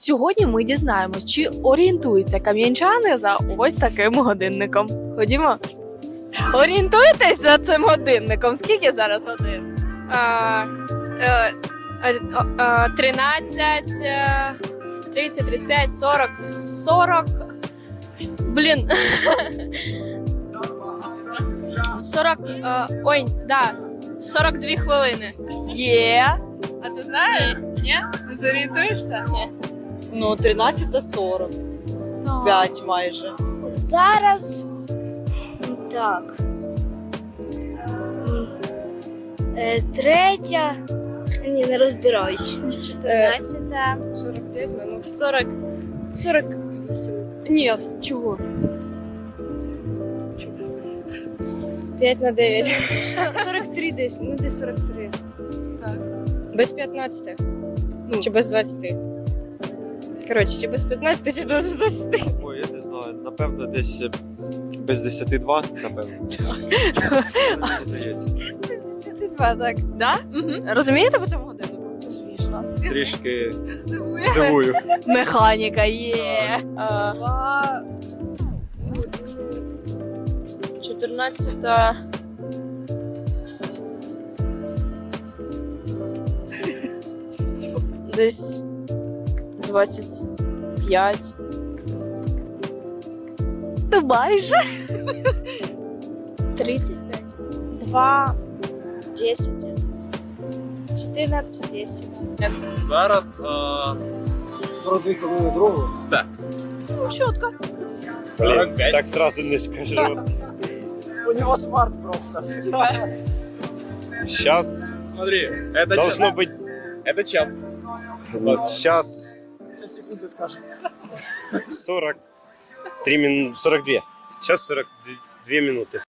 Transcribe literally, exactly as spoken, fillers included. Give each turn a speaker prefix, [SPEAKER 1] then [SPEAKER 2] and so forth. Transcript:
[SPEAKER 1] Сьогодні ми дізнаємось, чи орієнтуються кам'янчани за ось таким годинником. Ходімо. Орієнтуєтесь за цим годинником? Скільки зараз годин?
[SPEAKER 2] А, е, е, е, тринадцять, е, тридцять, тридцять п'ять, сорок, сорок. Блін. сорок, е, ой, да, сорок дві хвилини.
[SPEAKER 1] Є. А ти знаєш? Ні? Не зорієнтуєшся?
[SPEAKER 2] Ні.
[SPEAKER 3] Ну, тринадцята сорок. п'ять майже.
[SPEAKER 4] Зараз так. Е, Третя. Ні, не розбираюсь.
[SPEAKER 2] чотирнадцята, сорок п'ять минут. сорок, сорок вісім. Ні, чого?
[SPEAKER 3] п'ять на дев'ять.
[SPEAKER 2] сорок три десь, ну десь сорок три.
[SPEAKER 3] Без п'ятнадцяти.
[SPEAKER 2] Ну.
[SPEAKER 3] Чи без двадцяти. Коротше, чи без п'ятнадцяти, чи без двадцяти.
[SPEAKER 5] Ой, я не знаю, напевно, десь е, без десяти два, напевно. Мені здається.
[SPEAKER 2] шістдесят два, так.
[SPEAKER 1] Да? Угу. Розумієте по цьому годиннику?
[SPEAKER 4] Звісно.
[SPEAKER 5] Трішки здивую.
[SPEAKER 1] Механіка є. А,
[SPEAKER 2] Два чотирнадцята. Десь двадцять п'ять.
[SPEAKER 1] то майже.
[SPEAKER 4] тридцять п'ять. два, десять. чотирнадцять, десять.
[SPEAKER 6] Зараз а...
[SPEAKER 7] сорок дві хвилини другу.
[SPEAKER 1] Чітко.
[SPEAKER 5] Блін, так сразу не скажу.
[SPEAKER 7] У нього смарт просто.
[SPEAKER 5] Сейчас
[SPEAKER 6] Смотри, это
[SPEAKER 5] должно
[SPEAKER 6] час.
[SPEAKER 5] быть
[SPEAKER 6] Это час.
[SPEAKER 5] сейчас
[SPEAKER 7] Секунди скажеш.
[SPEAKER 5] сорок три минуты, сорок две. Час сорок две минуты.